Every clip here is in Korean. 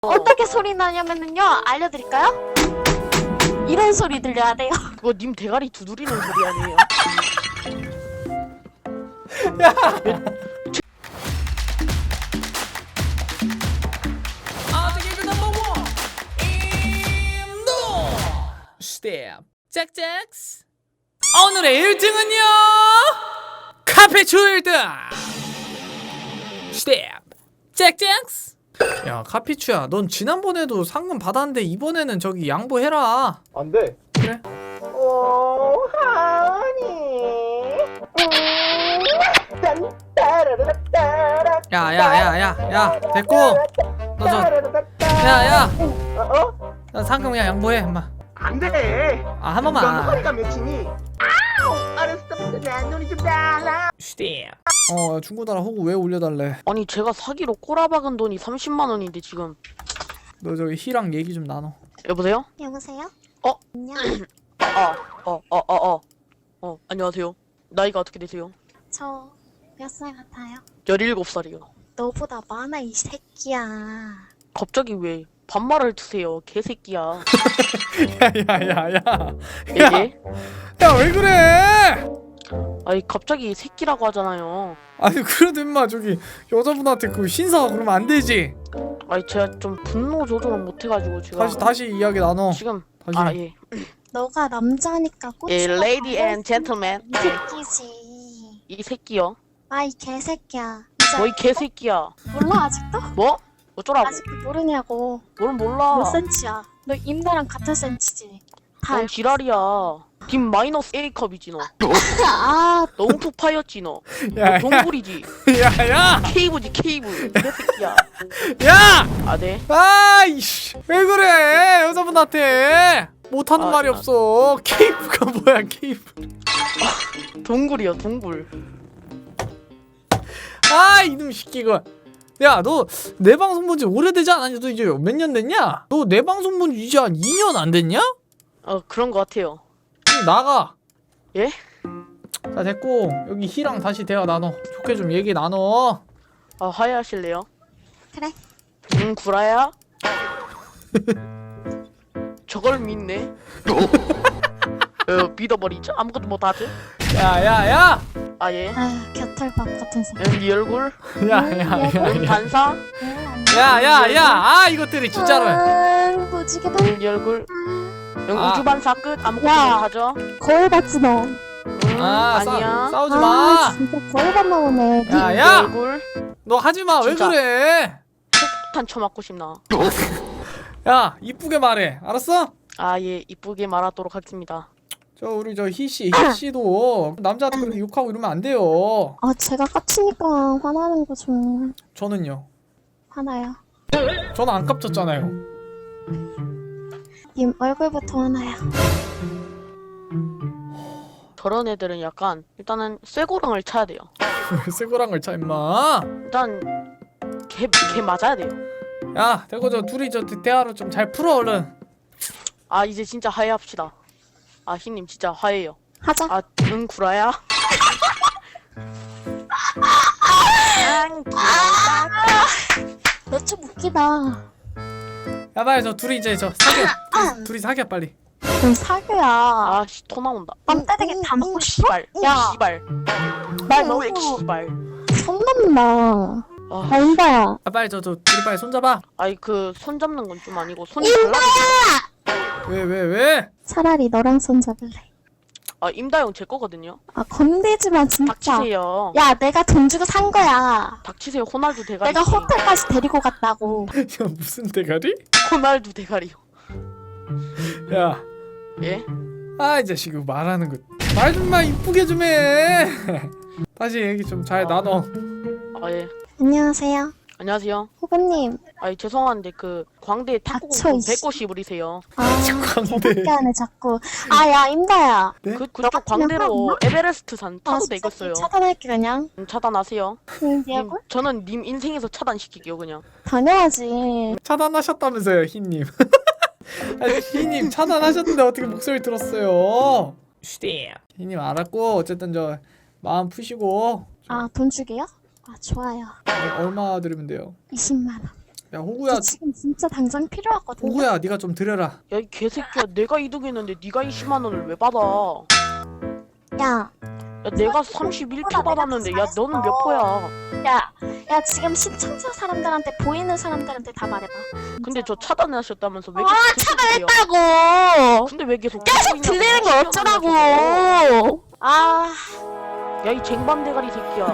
어떻게 소리 나냐면요 알려드릴까요? 이런 소리 들려야 돼요. 그거 님 대가리 두드리는 소리 아니에요? 아직이 넘버 원 임도 스텝 짝짝스. 오늘의 1등은요 카페추 1등 스텝 짝짝스. 야 카피추야, 넌 지난번에도 상금 받았는데 이번에는 저기 양보해라. 안 돼. 그래? 오, 하니. 야야야야야 됐고, 너 저 야야 나 상금 그냥 양보해 엄마. 안 돼. 아 한 넌 번만. 허리가 몇이니? 아우, 알았어. 내 눈이 좀 달라. 스텝. 중고나라 호구 왜 올려달래? 아니 제가 사기로 꼬라박은 돈이 30만 원인데 지금. 너 저기 희랑 얘기 좀 나눠. 여보세요? 여보세요? 어? 안녕. 안녕하세요. 나이가 어떻게 되세요? 저 몇 살 같아요? 17살이요. 너보다 많아 이 새끼야. 갑자기 왜 반말을 드세요, 개새끼야. 야야야야. 예? 야 왜 그래? 아니 갑자기 새끼라고 하잖아요. 아니 그래도 임마 저기 여자분한테 그 신사 그러면 안 되지. 아니 제가 좀 분노 조절을 못해가지고 제가 다시 이야기 나눠. 지금 다시. 아 예. 너가 남자니까 예, 꼬치가 lady and gentleman. 이 새끼지. 이 새끼요. 아이 개새끼야. 이제 뭐 이 개새끼야. 몰라 아직도? 뭐? 어쩌라고? 아직도 모르냐고. 뭘 몰라. 몇 센치야? 너 임나랑 같은 센치지? 다 넌 알고 지랄이야. 김 마이너스 A컵이지 너. 아, 너 웅투 파이었지 너. 야, 너 동굴이지. 야야. 케이브지 케이브. 개새끼야. 야. 아 네. 아이씨 왜 그래 여자분한테 못하는 아, 말이 없어. 케이프가 뭐야 케이프. 동굴이요 동굴. 아 이놈 시끼가. 야 너 내 방송 본지 오래되지 않았냐? 너 이제 몇 년 됐냐? 너 내 방송 본지 이제 한 2년 안 됐냐? 그런 거 같아요. 좀 나가. 예? 자 됐고 여기 희랑 다시 대화 나눠. 좋게 좀 얘기 나눠. 아 화해하실래요? 그래. 구라야? 저걸 믿네. 믿어버리죠? 아무것도 못하지? 야야야. 아 예. 아유 겨털밥 같은 새끼. 네 얼굴? 야야야야. 반사? 야야야. 아 이것들이 진짜로. 무지개다. 네 얼굴? 아. 우주 반사 끝? 아무것도 야. 못하죠? 거울 봤지 너. 아니야. 싸우지 아 마. 진짜 거울만 나오네. 야, 네 야! 얼굴? 너 하지 마. 왜 진짜. 그래? 폭탄 쳐맞고 싶나? 야, 이쁘게 말해. 알았어? 아 예, 이쁘게 말하도록 하겠습니다. 저 우리 저 희씨도 남자한테 그렇게 욕하고 이러면 안 돼요. 아 제가 깝치니까 화나는 거죠. 저는요. 화나요. 저는 안 깝쳤잖아요. 님 얼굴부터 화나요. 저런 애들은 약간 일단은 쇠고랑을 차야 돼요. 쇠고랑을 차 임마. 일단 걔 맞아야 돼요. 야, 대고 저 둘이 저 대화로 좀 잘 풀어 얼른. 아 이제 진짜 화해합시다. 아 희님 진짜 화해요. 하자. 아 응 구라야? 너 좀 웃기다. 야, 빨리 저 둘이 이제 저 사겨. 둘이 사겨 빨리. 넌 사교야. 아씨 토 나온다. 땀때되게 다 먹고 싶어? 씨발. 야. 씨발. 말 너왜 너무 씨발. 선 넘나. 아, 아 인다야. 야, 빨리 저 둘이 빨리 손잡아. 아니 그 손 잡는 건 좀 아니고 손이 달라지죠. 왜? 차라리 너랑 손 잡을래. 아 임다영 제 거거든요. 아 건들지 마 진짜. 닥치세요. 야 내가 돈 주고 산 거야. 닥치세요. 호날두 대가리. 내가 호텔까지 데리고 갔다고. 야, 무슨 대가리? 호날두 대가리요. 야, 예? 아 이 자식 말하는 거 말 좀 마 이쁘게 좀 해. 다시 얘기 좀 잘 나눠. 아 예. 안녕하세요. 안녕하세요. 후보님. 아니 죄송한데 그 광대 닥쳐, 탁구공 이씨. 배꼽 씹으리세요. 아 광대. 개밖에 안해 자꾸. 아야 임다야. 네? 그쪽 같으면 광대로 에베레스트 산 아 타도 진짜 되겠어요. 차단할게 그냥. 차단하세요. 네 님, 얼굴? 저는 님 인생에서 차단시킬게요 그냥. 당연하지. 차단하셨다면서요 희님. 아니, 희님 차단하셨는데 어떻게 목소리 들었어요? 희님 알았고 어쨌든 저 마음 푸시고 아 돈 주게요? 아 좋아요. 얼마 드리면 돼요? 20만 원. 야 호구야, 저 지금 진짜 당장 필요하거든요. 호구야, 네가 좀 드려라. 야 이 개새끼야, 내가 2등했는데 네가 20만 원을 왜 받아? 야, 야 내가 31표 받았는데 야 너는 몇 표야? 야 지금 시청자 사람들한테 보이는 사람들한테 다 말해봐. 근데 저 차단하셨다면서 왜 아, 계속 들려요? 차단했다고. 근데 왜 계속 계속 듣고 들리는 거 있냐고. 어쩌라고. 아, 야 이 쟁반 대가리 새끼야.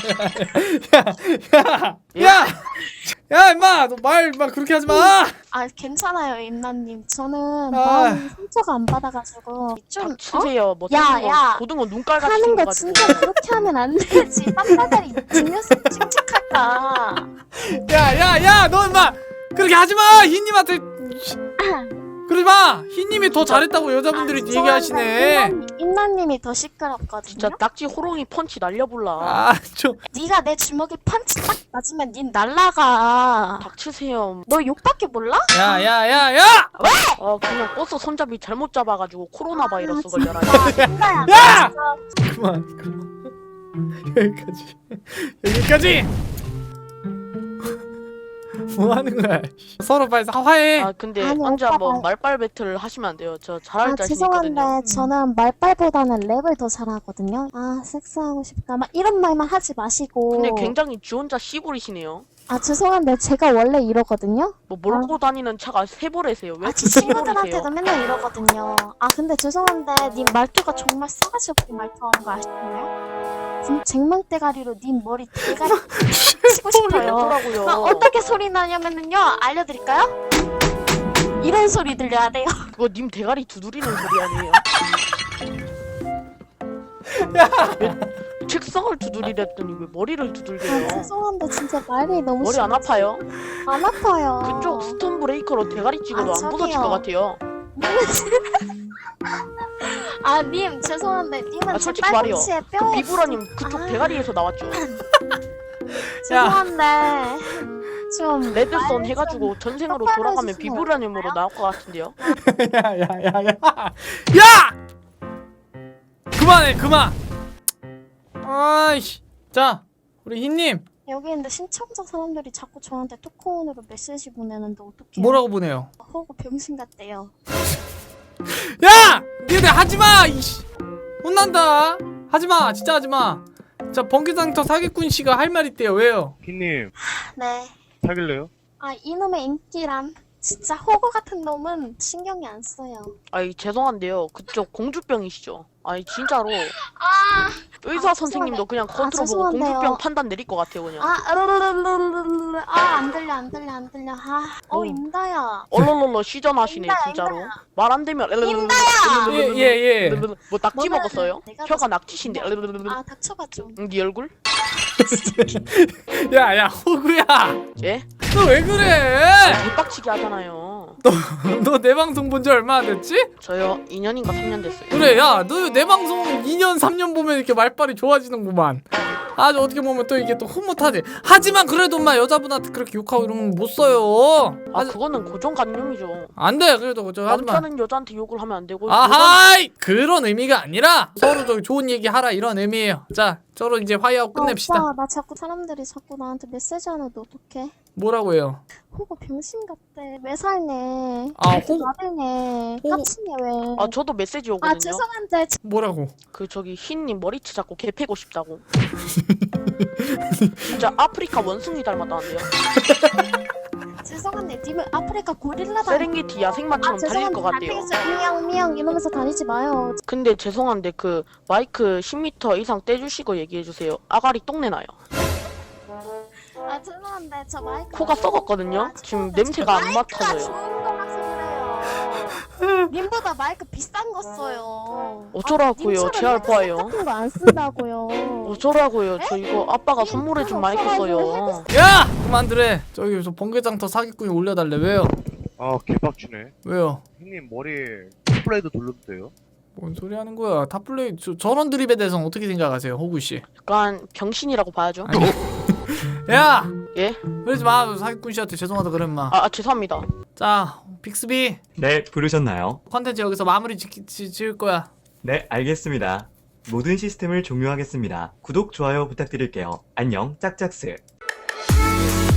야, 야, 임마, 너 말 그렇게 하지 마. 아 괜찮아요 임나님. 저는 아. 마음 상처가 안 받아가지고 좀 닥치세요. 뭐 야, 고등어, 야. 고등어 눈깔같이 하는 거 생겨가지고. 진짜 그렇게 하면 안 되지. 땀바다리 증명성 칙칙할까. 야, 너 임마 그렇게 하지 마. 흰님한테 그러지 마. 흰님이 더 잘했다고 여자분들이 얘기하시네. 임나님이 더 시끄럽거든요. 진짜 낙지 호롱이 펀치 날려볼라. 아, 좀. 네가 내 주먹에 펀치 딱 맞으면 닌 날라가. 닥치세요. 너 욕밖에 몰라? 야. 그냥 버스 손잡이 잘못 잡아가지고 코로나 바이러스 걸려라. 인가야. 야! 그만. 여기까지. 뭐 하는 거야? 서로 빨리 화해. 아 근데 아니, 언제 오빠가- 한번 말빨 배틀 하시면 안 돼요. 저 잘할 아 자신 있거든요. 죄송한데 저는 말빨보다는 랩을 더 잘하거든요. 아 섹스하고 싶다 막 이런 말만 하지 마시고. 근데 굉장히 지 혼자 씨부리시네요. 아 죄송한데 제가 원래 이러거든요. 뭐 몰고 다니는 차가 세보래세요. 왜 제 친구들한테도 맨날 이러거든요. 아 근데 죄송한데 님 말투가 정말 싸가지 없게 말투하는 거 아시나요? 지금 쟁망대가리로 님 머리 대가리 치고 싶어요. 어쩌라고요. 아, 어떻게 소리 나냐면은요 알려드릴까요? 이런 소리 들려야 돼요. 그거 님 대가리 두드리는 소리 아니에요? 왜 책상을 두드리랬더니 왜 머리를 아, 두들겨요? 죄송한데 진짜 말이 너무 머리 안 아파요? 안 아파요. 그쪽 스톤 브레이커로 대가리 찍어도 아, 안 부서질 저기요. 것 같아요. 아, 님 죄송한데 님은 아, 제 솔직히 말이요. 팔꿈치에 그 뼈에 비브라님 그쪽 아. 대가리에서 나왔죠. 죄송한데 좀 레드썬 말 해가지고 전생으로 똑바로 돌아가면 해주시면 비브라님으로 나올 것 같은데요. 야! 그만해, 그만. 아이씨. 자, 우리 흰님 여기 있는데 신청자 사람들이 자꾸 저한테 토크온으로 메시지 보내는데 어떡해요? 뭐라고 보내요? 호구 병신 같대요. 야! 니네 하지 마. 이씨. 혼난다. 하지 마. 진짜 하지 마. 자, 번개장터 사기꾼 씨가 할 말 있대요. 왜요? 흰님 네. 사귈래요? 아 이놈의 인기란 진짜 호구 같은 놈은 신경이 안 써요. 아이 죄송한데요. 그쪽 공주병이시죠? 아니 진짜로 아, 의사 아, 선생님도 그냥 아, 겉으로 보고 죄송한데요. 공주병 판단 내릴 것 같아요 그냥. 안 들려. 어. 임다야. 얼얼얼얼 시전하시네 임다야, 진짜로. 임다야. 말 안 되면 예. 뭐 낙지 뭐는 먹었어요? 내가 혀가 낙지신데. 아 닥쳐봐 좀. 네 얼굴? 야, 호구야. 예? 너 왜 그래? 개빡치게 하잖아요. 너 내 방송 본 지 얼마나 됐지? 저요 2년인가 3년 됐어요. 그래, 야, 너 내 방송 2년, 3년 보면 이렇게 말빨이 좋아지는구만. 아주 어떻게 보면 또 이게 또 흐뭇하지. 하지만 그래도 엄마 여자분한테 그렇게 욕하고 이러면 못 써요. 아 그거는 고정관념이죠. 안 돼, 그래도 저 하지 마. 남자는 여자한테 욕을 하면 안 되고 아하이! 그런 의미가 아니라 서로 저기 좋은 얘기 하라 이런 의미예요. 자, 서로 이제 화해하고 끝냅시다. 오빠 나 자꾸 사람들이 자꾸 나한테 메시지 하는데 어떡해? 뭐라고 해요? 호구 병신 같대. 왜 살네? 아, 이렇게 호구- 나대네. 호구- 깝치네 왜? 아 저도 메시지 아 오거든요. 죄송한데 뭐라고? 그 저기 흰님 머리채 잡고 개 패고 싶다고. 진짜 아프리카 원숭이 닮았다는데요. 죄송한데 님은 아프리카 고릴라다. 세렝게티 야생마처럼 달릴 것 같대요. 미양 이러면서 다니지 마요. 근데 죄송한데 그 마이크 10m 이상 떼주시고 얘기해주세요. 아가리 똥내 나요. 아 죄송한데 저 마이크 코가 썩었거든요. 지금 냄새가 안 맡아져요. 좋은 거라서 그래요. 님보다 마이크 비싼 거 써요. 어쩌라고요? 제 알바예요. 같은 거 안 쓴다고요. 어쩌라고요? 저 이거 아빠가 선물해준 마이크 써요. 야! 그만들래. 저기 저 번개장터 사기꾼이 올려달래. 왜요? 아 개빡치네. 왜요? 흰님 머리 플레이드 돌려도 돼요? 뭔 소리 하는 거야? 탑플레이 저런 드립에 대해서는 어떻게 생각하세요, 호구 씨? 약간 병신이라고 봐야죠. 야! 예? 그러지 마. 사기꾼 씨한테 죄송하다 그래 마. 죄송합니다. 자, 빅스비 네, 부르셨나요? 컨텐츠 여기서 마무리 지을 거야. 네, 알겠습니다. 모든 시스템을 종료하겠습니다. 구독, 좋아요 부탁드릴게요. 안녕, 짝짝스.